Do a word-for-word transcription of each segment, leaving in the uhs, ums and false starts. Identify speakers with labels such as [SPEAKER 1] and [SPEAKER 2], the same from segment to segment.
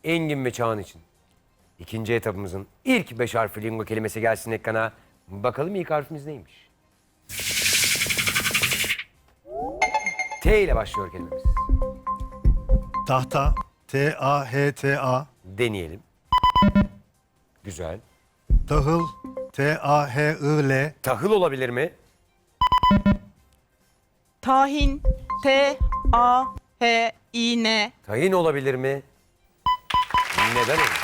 [SPEAKER 1] Engin ve Çağan için ikinci etapımızın ilk beş harfli lingo kelimesi gelsin ekrana. Bakalım ilk harfimiz neymiş? T ile başlıyor kelimemiz.
[SPEAKER 2] Tahta. T A H T A.
[SPEAKER 1] Deneyelim. Güzel.
[SPEAKER 2] Tahıl. T A H I L.
[SPEAKER 1] Tahıl olabilir mi?
[SPEAKER 3] Tahin. T A H İ N.
[SPEAKER 1] Tahin olabilir mi? Neden olur?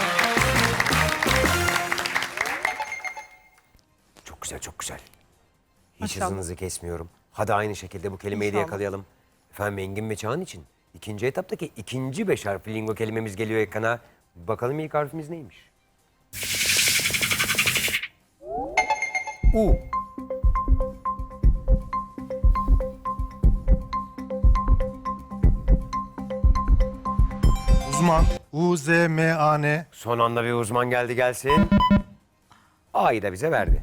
[SPEAKER 1] Çok güzel, çok güzel. Hiç
[SPEAKER 3] Maşallah.
[SPEAKER 1] hızınızı kesmiyorum. Hadi aynı şekilde bu kelimeyi de
[SPEAKER 3] İnşallah.
[SPEAKER 1] yakalayalım. Efendim Engin ve Çağan için ikinci etaptaki ikinci beş harfli lingo kelimemiz geliyor ekrana. Bakalım ilk harfimiz neymiş? U.
[SPEAKER 2] Uzman. U Z M A N.
[SPEAKER 1] Son anda bir uzman geldi gelsin. A'yı da bize verdi.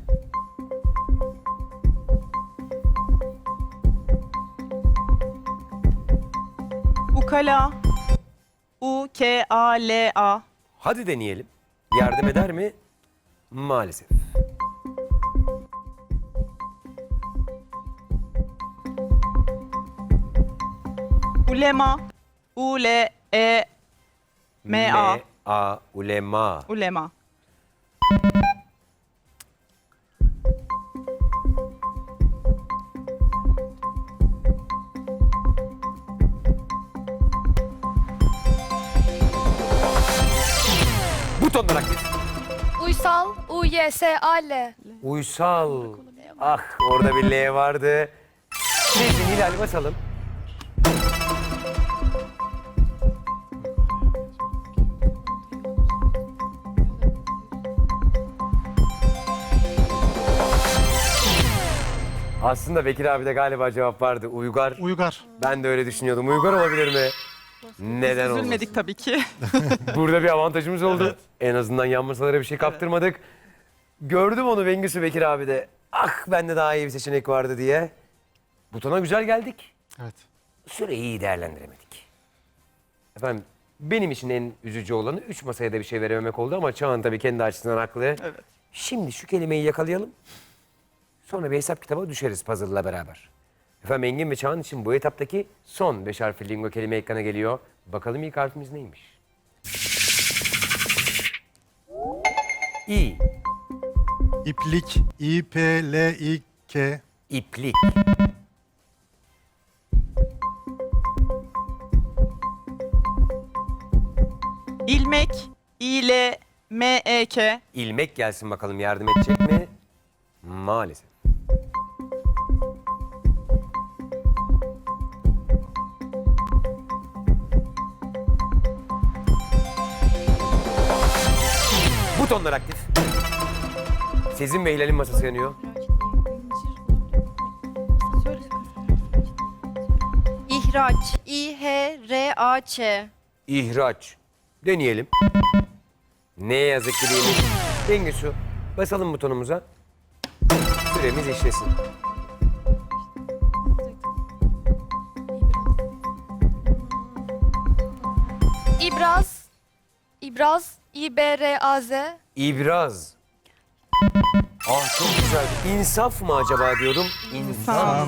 [SPEAKER 3] Ukala. U K A L A.
[SPEAKER 1] Hadi deneyelim. Yardım eder mi? Maalesef.
[SPEAKER 3] Ulema. U L E M A.
[SPEAKER 1] A. Ulema.
[SPEAKER 3] Ulema.
[SPEAKER 1] Butonlar aktif.
[SPEAKER 4] Uysal, U Y S A L.
[SPEAKER 1] Uysal. Ah orada bir L vardı. Neyse Hilal basalım. Aslında Bekir abi de galiba cevap vardı. Uygar.
[SPEAKER 2] Uygar.
[SPEAKER 1] Ben de öyle düşünüyordum. Uygar olabilir mi? Neden olmasın?
[SPEAKER 3] Üzülmedik tabii ki.
[SPEAKER 1] Burada bir avantajımız oldu. En azından yan masalara bir şey kaptırmadık. Gördüm onu Bengüsü Bekir abi de. Ah bende daha iyi bir seçenek vardı diye. Butona güzel geldik.
[SPEAKER 2] Evet.
[SPEAKER 1] Süreyi iyi değerlendiremedik. Efendim benim için en üzücü olanı üç masaya da bir şey verememek oldu ama Çağan tabii kendi açısından haklı.
[SPEAKER 3] Evet.
[SPEAKER 1] Şimdi şu kelimeyi yakalayalım. Sonra bir hesap kitaba düşeriz puzzle'la beraber. Efendim Engin ve Çağan için bu etaptaki son beş harfli lingo kelime ekrana geliyor. Bakalım ilk harfimiz neymiş? İ.
[SPEAKER 2] İplik. İ P L İ K.
[SPEAKER 1] İplik.
[SPEAKER 3] İlmek. İ L M E K.
[SPEAKER 1] İlmek gelsin bakalım yardım edecek mi? Maalesef. Butonlar aktif. Sezin ve Hilal'in masası yanıyor.
[SPEAKER 4] İhraç, İ H R A Ç.
[SPEAKER 1] İhraç. Deneyelim. Ne yazık ki değilmiş. Bengüsü basalım butonumuza. Süremiz işlesin.
[SPEAKER 4] İbraz, İbraz, İ B R A Z.
[SPEAKER 1] İbraz. Ah çok güzel. İnsaf mı acaba diyordum. İnsaf.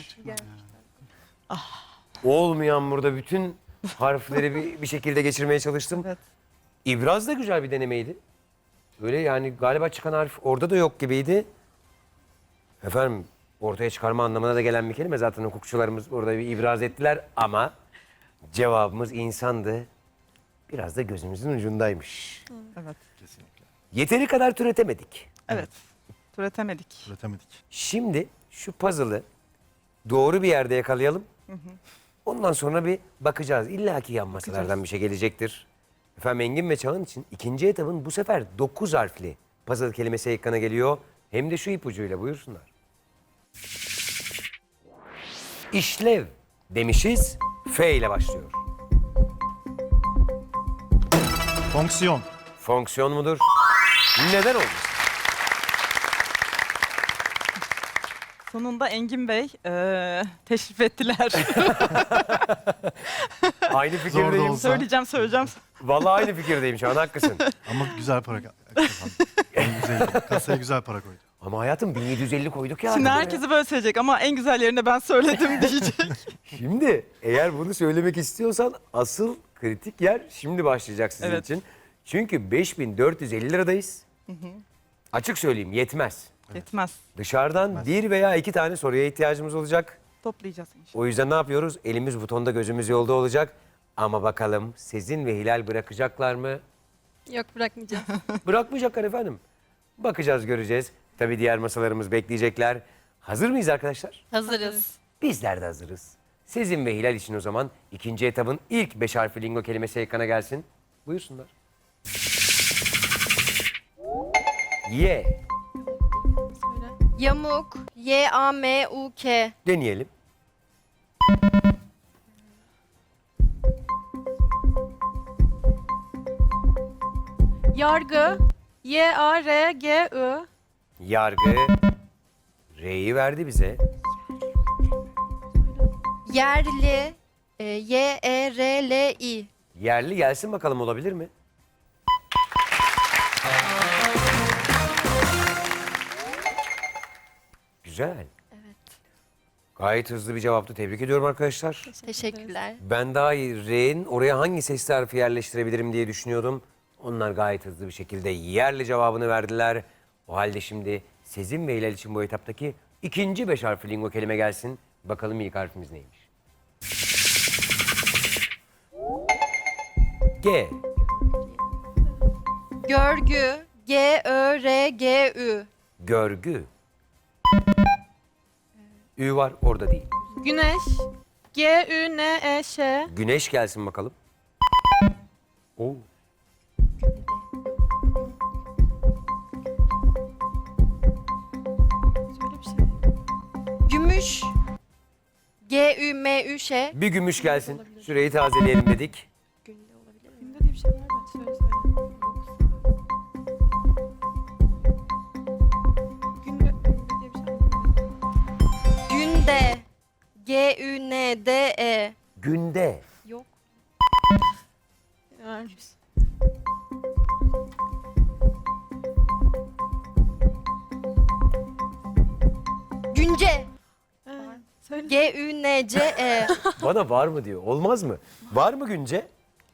[SPEAKER 1] Olmayan burada bütün harfleri bir, bir şekilde geçirmeye çalıştım.
[SPEAKER 3] Evet.
[SPEAKER 1] İbraz da güzel bir denemeydi. Öyle yani galiba çıkan harf orada da yok gibiydi. Efendim ortaya çıkarma anlamına da gelen bir kelime. Zaten hukukçularımız orada bir ibraz ettiler ama cevabımız insandı. Biraz da gözümüzün ucundaymış.
[SPEAKER 3] Evet.
[SPEAKER 1] Yeteri kadar türetemedik.
[SPEAKER 3] Evet. Türetemedik.
[SPEAKER 2] Üretemedik.
[SPEAKER 1] Şimdi şu puzzle'ı doğru bir yerde yakalayalım. Ondan sonra bir bakacağız. İlla ki yan masalardan bir şey gelecektir. Efendim Engin ve Çağan için ikinci etapın bu sefer dokuz harfli puzzle kelimesi ekrana geliyor. Hem de şu ipucuyla buyursunlar. İşlev demişiz. F ile başlıyor.
[SPEAKER 2] Fonksiyon.
[SPEAKER 1] Fonksiyon mudur? Neden olmuş?
[SPEAKER 3] Sonunda Engin Bey eee, teşrif ettiler.
[SPEAKER 1] Aynı
[SPEAKER 2] Zor da
[SPEAKER 1] fikirdeyim.
[SPEAKER 2] olsa.
[SPEAKER 3] söyleyeceğim söyleyeceğim.
[SPEAKER 1] Vallahi aynı fikirdeyim şu an, haklısın.
[SPEAKER 2] Ama güzel para kazandı. En güzel. Kasaya güzel para koydu.
[SPEAKER 1] Ama hayatım bin yedi yüz elli koyduk ya.
[SPEAKER 3] Şimdi
[SPEAKER 1] arkada ya.
[SPEAKER 3] herkesi böyle söyleyecek ama en güzellerini ben söyledim diyecek.
[SPEAKER 1] Şimdi eğer bunu söylemek istiyorsan asıl kritik yer şimdi başlayacak sizin
[SPEAKER 3] Evet.
[SPEAKER 1] için. Çünkü beş bin dört yüz elli liradayız. Açık söyleyeyim, yetmez.
[SPEAKER 3] Yetmez.
[SPEAKER 1] Dışarıdan bir veya iki tane soruya ihtiyacımız olacak.
[SPEAKER 3] Toplayacağız inşallah.
[SPEAKER 1] O yüzden ne yapıyoruz? Elimiz butonda, gözümüz yolda olacak. Ama bakalım Sezin ve Hilal bırakacaklar mı?
[SPEAKER 4] Yok, bırakmayacağım.
[SPEAKER 1] Bırakmayacaklar efendim. Bakacağız, göreceğiz. Tabii diğer masalarımız bekleyecekler. Hazır mıyız arkadaşlar?
[SPEAKER 4] Hazırız.
[SPEAKER 1] Bizler de hazırız. Sezin ve Hilal için o zaman ikinci etabın ilk beş harfli lingo kelimesi ekrana gelsin. Buyursunlar. Y.
[SPEAKER 4] Yamuk. Y A M U K.
[SPEAKER 1] Deneyelim.
[SPEAKER 3] Yargı. Y A R G I.
[SPEAKER 1] Yargı. R'yi verdi bize.
[SPEAKER 4] Yerli. E, Y E R L I.
[SPEAKER 1] Yerli gelsin bakalım, olabilir mi? Güzel.
[SPEAKER 4] Evet.
[SPEAKER 1] Gayet hızlı bir cevaptı. Tebrik ediyorum arkadaşlar.
[SPEAKER 4] Teşekkürler.
[SPEAKER 1] Ben daha iyi R'nin oraya hangi sesli harfi yerleştirebilirim diye düşünüyordum. Onlar gayet hızlı bir şekilde yerli cevabını verdiler. O halde şimdi Sezin ve Hilal için bu etaptaki ikinci beş harfli lingo kelime gelsin. Bakalım ilk harfimiz neymiş? G.
[SPEAKER 4] Görgü. G Ö R G Ü.
[SPEAKER 1] Görgü. Ü var, orada değil.
[SPEAKER 3] Güneş. G Ü N E Ş.
[SPEAKER 1] Güneş gelsin bakalım. Oo.
[SPEAKER 4] Gümüş. G Ü M Ü Ş.
[SPEAKER 1] Bir gümüş gelsin. Süreyi tazeleyelim dedik.
[SPEAKER 3] Günde diye bir şey var mı? Söyle söyle. Günde, günde diye bir şey var mı?
[SPEAKER 4] Günde. G Ü N D E.
[SPEAKER 1] Günde.
[SPEAKER 4] Yok.
[SPEAKER 3] Vermiş.
[SPEAKER 4] Günce.
[SPEAKER 3] Ee, söyle.
[SPEAKER 4] G Ü N C E.
[SPEAKER 1] Bana var mı diyor. Olmaz mı? Var mı Günce?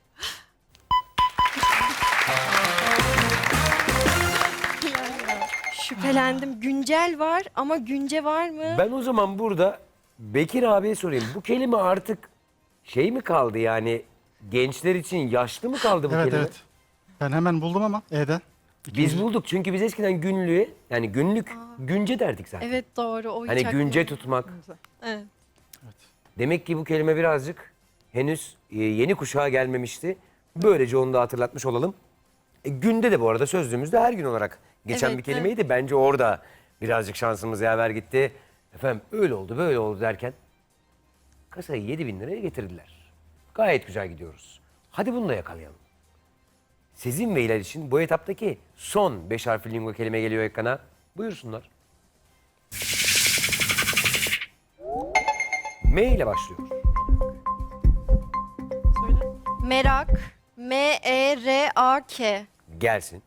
[SPEAKER 4] Şüphelendim. Güncel var ama günce var mı?
[SPEAKER 1] Ben o zaman burada Bekir abiye sorayım. Bu kelime artık şey mi kaldı yani, gençler için yaşlı mı kaldı bu
[SPEAKER 2] Evet
[SPEAKER 1] kelime?
[SPEAKER 2] evet. Ben hemen buldum ama E'den.
[SPEAKER 1] Biz bulduk çünkü biz eskiden günlüğe, yani günlük günce derdik zaten.
[SPEAKER 4] Evet doğru. O hiç
[SPEAKER 1] Hani
[SPEAKER 4] aklıma-
[SPEAKER 1] günce tutmak.
[SPEAKER 3] Evet.
[SPEAKER 1] Demek ki bu kelime birazcık henüz e, yeni kuşağa gelmemişti. Böylece onu da hatırlatmış olalım. E, günde de bu arada sözlüğümüzde her gün olarak geçen
[SPEAKER 4] Evet,
[SPEAKER 1] bir kelimeydi. Bence orada birazcık şansımız yaver gitti. Efendim öyle oldu böyle oldu derken kasayı yedi bin liraya getirdiler. Gayet güzel gidiyoruz. Hadi bunu da yakalayalım. Sezin ve Hilal için bu etaptaki son beş harfli lingo kelime geliyor ekrana. Buyursunlar. M ile başlıyor.
[SPEAKER 3] Söyle.
[SPEAKER 4] Merak. M E R A K.
[SPEAKER 1] Gelsin.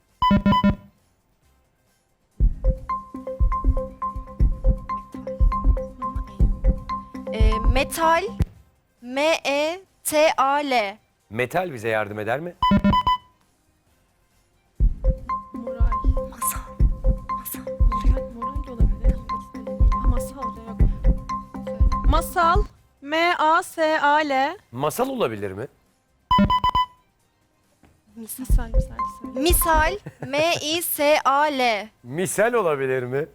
[SPEAKER 4] E, metal. M E T A L.
[SPEAKER 1] Metal bize yardım eder mi?
[SPEAKER 3] Moral.
[SPEAKER 4] Masal.
[SPEAKER 3] Moral, moral de olabilir. Masal da yok. Masal. M A S A L.
[SPEAKER 1] Masal olabilir mi?
[SPEAKER 3] Misal misal söyle.
[SPEAKER 4] Misal. M I S A L.
[SPEAKER 1] Misal olabilir mi?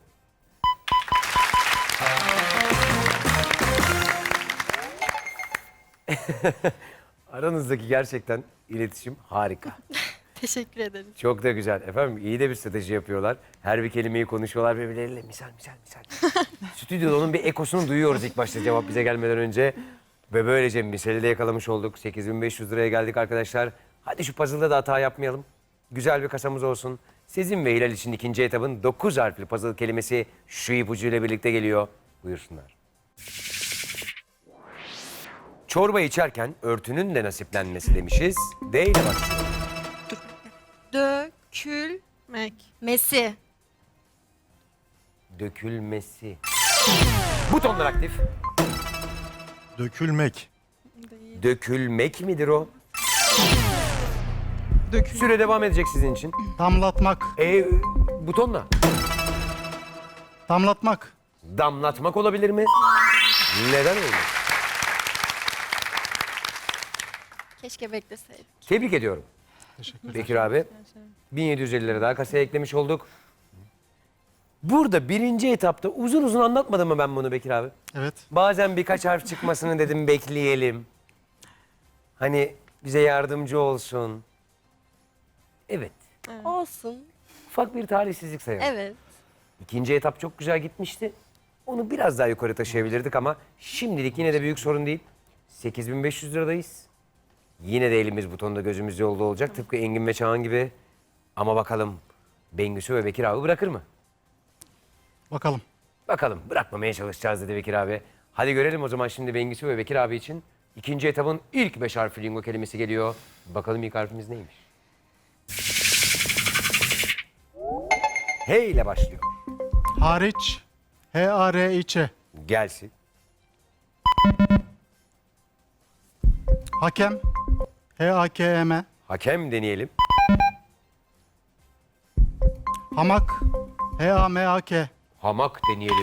[SPEAKER 1] Aranızdaki gerçekten iletişim harika.
[SPEAKER 4] Teşekkür ederim.
[SPEAKER 1] Çok da güzel. Efendim iyi de bir strateji yapıyorlar. Her bir kelimeyi konuşuyorlar birbirleriyle. Misal, misal, misal. Stüdyoda onun bir ekosunu duyuyoruz ilk başta cevap bize gelmeden önce. Ve böylece misali de yakalamış olduk. sekiz bin beş yüz liraya geldik arkadaşlar. Hadi şu puzzle'da da hata yapmayalım. Güzel bir kasamız olsun. Sezin ve Hilal için ikinci etabın dokuz harfli puzzle kelimesi şu ipucuyla birlikte geliyor. Buyursunlar. Çorba içerken örtünün de nasiplenmesi demişiz. D ile başlıyor.
[SPEAKER 4] Dökülmesi.
[SPEAKER 3] Mek.
[SPEAKER 1] Dökülmesi. Butonlar aktif.
[SPEAKER 2] Dökülmek.
[SPEAKER 3] Değil.
[SPEAKER 1] Dökülmek midir o?
[SPEAKER 3] Dökül.
[SPEAKER 1] Süre devam edecek sizin için.
[SPEAKER 2] Damlatmak.
[SPEAKER 1] E, butonla.
[SPEAKER 2] Damlatmak.
[SPEAKER 1] Damlatmak olabilir mi? Neden olmaz?
[SPEAKER 4] Keşke bekleseydim.
[SPEAKER 1] Tebrik ediyorum.
[SPEAKER 2] Teşekkür ederim.
[SPEAKER 1] Bekir abi. bin yedi yüz elli lira daha kasaya eklemiş olduk. Burada birinci etapta uzun uzun anlatmadım mı ben bunu Bekir abi?
[SPEAKER 2] Evet.
[SPEAKER 1] Bazen birkaç harf çıkmasını dedim bekleyelim. Hani bize yardımcı olsun. Evet.
[SPEAKER 4] Olsun.
[SPEAKER 1] Ufak bir talihsizlik sayalım.
[SPEAKER 4] Evet.
[SPEAKER 1] İkinci etap çok güzel gitmişti. Onu biraz daha yukarı taşıyabilirdik ama şimdilik yine de büyük sorun değil. sekiz bin beş yüz liradayız. Yine de elimiz butonda gözümüz yolda olacak. Tıpkı Engin ve Çağan gibi. Ama bakalım Bengüsü ve Bekir abi bırakır mı?
[SPEAKER 2] Bakalım.
[SPEAKER 1] Bakalım bırakmamaya çalışacağız dedi Bekir abi. Hadi görelim o zaman şimdi Bengüsü ve Bekir abi için. İkinci etapın ilk beş harfli lingo kelimesi geliyor. Bakalım ilk harfimiz neymiş? H ile başlıyor.
[SPEAKER 2] Hariç. H A R İ Ç.
[SPEAKER 1] Gelsin.
[SPEAKER 2] Hakem. H A K E M.
[SPEAKER 1] Hakem deneyelim.
[SPEAKER 2] Hamak. H A M A K.
[SPEAKER 1] Hamak deneyelim.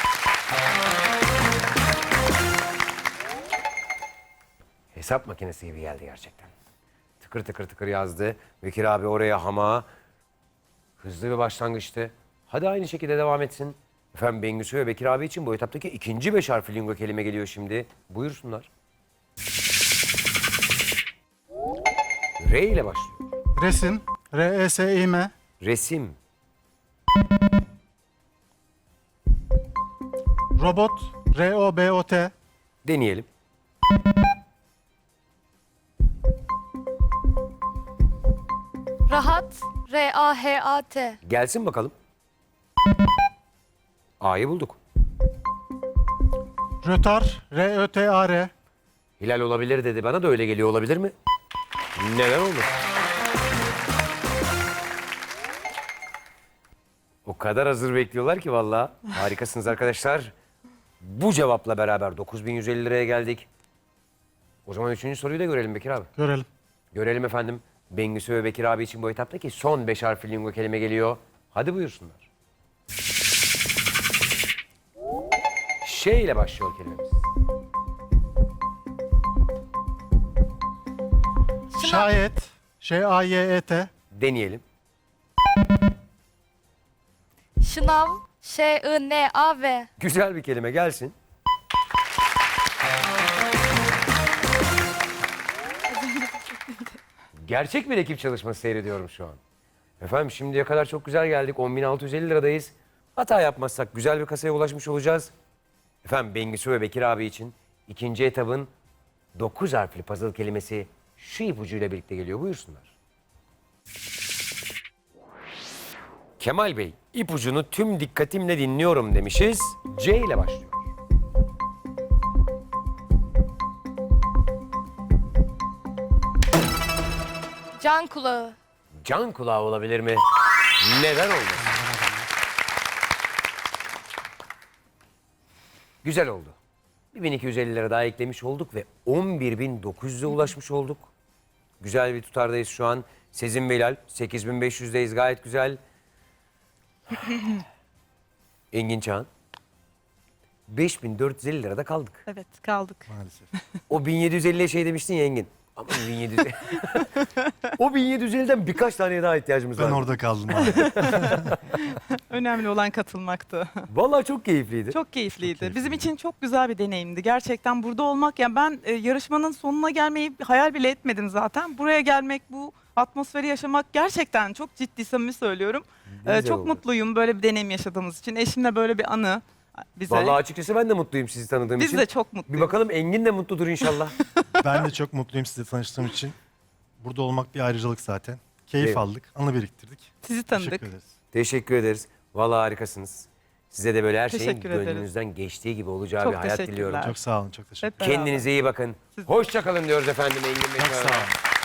[SPEAKER 1] Hesap makinesi gibi geldi gerçekten. Tıkır tıkır tıkır yazdı. Bekir abi oraya hama. Hızlı bir başlangıçtı. Hadi aynı şekilde devam etsin. Efendim Bengüsü ve Bekir abi için bu etaptaki ikinci beş harfli lingo kelime geliyor şimdi. Buyursunlar. R ile başlıyor.
[SPEAKER 2] Resim. R E S İ M.
[SPEAKER 1] Resim.
[SPEAKER 2] Robot. R O B O T.
[SPEAKER 1] Deneyelim.
[SPEAKER 4] Rahat. R A H A T.
[SPEAKER 1] Gelsin bakalım. A'yı bulduk.
[SPEAKER 2] Rötar. R Ö T A R.
[SPEAKER 1] Hilal olabilir dedi. Bana da öyle geliyor olabilir mi? Neden olmasın? O kadar hazır bekliyorlar ki vallahi. Harikasınız arkadaşlar. Bu cevapla beraber dokuz bin yüz elli liraya geldik. O zaman üçüncü soruyu da görelim Bekir abi.
[SPEAKER 2] Görelim.
[SPEAKER 1] Görelim efendim. Bengüsü ve Bekir abi için bu etaptaki son beş harfli lingo kelime geliyor. Hadi buyursunlar. Şey ile başlıyor kelimemiz.
[SPEAKER 2] Şayet. Ş A Y E T.
[SPEAKER 1] Deneyelim.
[SPEAKER 4] Şınav. Ş I N A V.
[SPEAKER 1] Güzel bir kelime gelsin. Gerçek bir ekip çalışması seyrediyorum şu an. Efendim şimdiye kadar çok güzel geldik. on bin altı yüz elli liradayız. Hata yapmazsak güzel bir kasaya ulaşmış olacağız. Efendim Bengüsü ve Bekir abi için ikinci etabın dokuz harfli puzzle kelimesi şu ipucuyla birlikte geliyor. Buyursunlar. Kemal Bey, ipucunu tüm dikkatimle dinliyorum demişiz. C ile başlıyor.
[SPEAKER 4] Can kulağı.
[SPEAKER 1] Can kulağı olabilir mi? Neden olmasın? Güzel oldu. bin iki yüz elli lira daha eklemiş olduk ve on bir bin dokuz yüze ulaşmış olduk. Güzel bir tutardayız şu an. Sezin ve Hilal sekiz bin beş yüzdeyiz, gayet güzel. Engin Çağan. beş bin dört yüz elli lirada kaldık.
[SPEAKER 3] Evet kaldık.
[SPEAKER 2] Maalesef.
[SPEAKER 1] O bin yedi yüz elliye şey demiştin ya Engin. Ama bin yedi yüz elli. O bin yedi yüz elliden birkaç taneye daha ihtiyacımız var.
[SPEAKER 2] Ben orada kaldım abi.
[SPEAKER 5] Önemli olan katılmaktı.
[SPEAKER 1] Vallahi çok keyifliydi.
[SPEAKER 5] Çok keyifliydi.
[SPEAKER 2] keyifliydi.
[SPEAKER 5] Bizim için çok güzel bir deneyimdi. Gerçekten burada olmak, yani ben e, yarışmanın sonuna gelmeyi hayal bile etmedim zaten. Buraya gelmek, bu atmosferi yaşamak gerçekten çok ciddi, samimi söylüyorum. E,
[SPEAKER 1] Güzel
[SPEAKER 5] çok
[SPEAKER 1] oldu.
[SPEAKER 5] mutluyum böyle bir deneyim yaşadığımız için. Eşimle böyle bir anı bize.
[SPEAKER 1] Vallahi açıkçası ben de mutluyum sizi tanıdığım
[SPEAKER 5] Biz
[SPEAKER 1] için.
[SPEAKER 5] de çok
[SPEAKER 1] Bir
[SPEAKER 5] mutluyuz.
[SPEAKER 1] bakalım Engin de mutludur inşallah.
[SPEAKER 2] Ben de çok mutluyum sizinle tanıştığım için. Burada olmak bir ayrıcalık zaten. Keyif
[SPEAKER 1] Evet.
[SPEAKER 2] aldık, anı biriktirdik.
[SPEAKER 5] Sizi tanıdık.
[SPEAKER 2] Teşekkür ederiz.
[SPEAKER 1] Teşekkür ederiz. Vallahi harikasınız. Size de böyle her şeyin
[SPEAKER 5] Teşekkür ederiz.
[SPEAKER 1] gönlünüzden geçtiği gibi olacağı
[SPEAKER 5] Çok
[SPEAKER 1] bir hayat
[SPEAKER 5] teşekkürler.
[SPEAKER 1] diliyorum.
[SPEAKER 2] Çok sağ olun, çok teşekkür
[SPEAKER 5] Hep beraber.
[SPEAKER 1] Kendinize iyi bakın.
[SPEAKER 5] Siz de.
[SPEAKER 1] Hoşça kalın diyoruz efendim Engin Bey.
[SPEAKER 2] Çok sağ olun.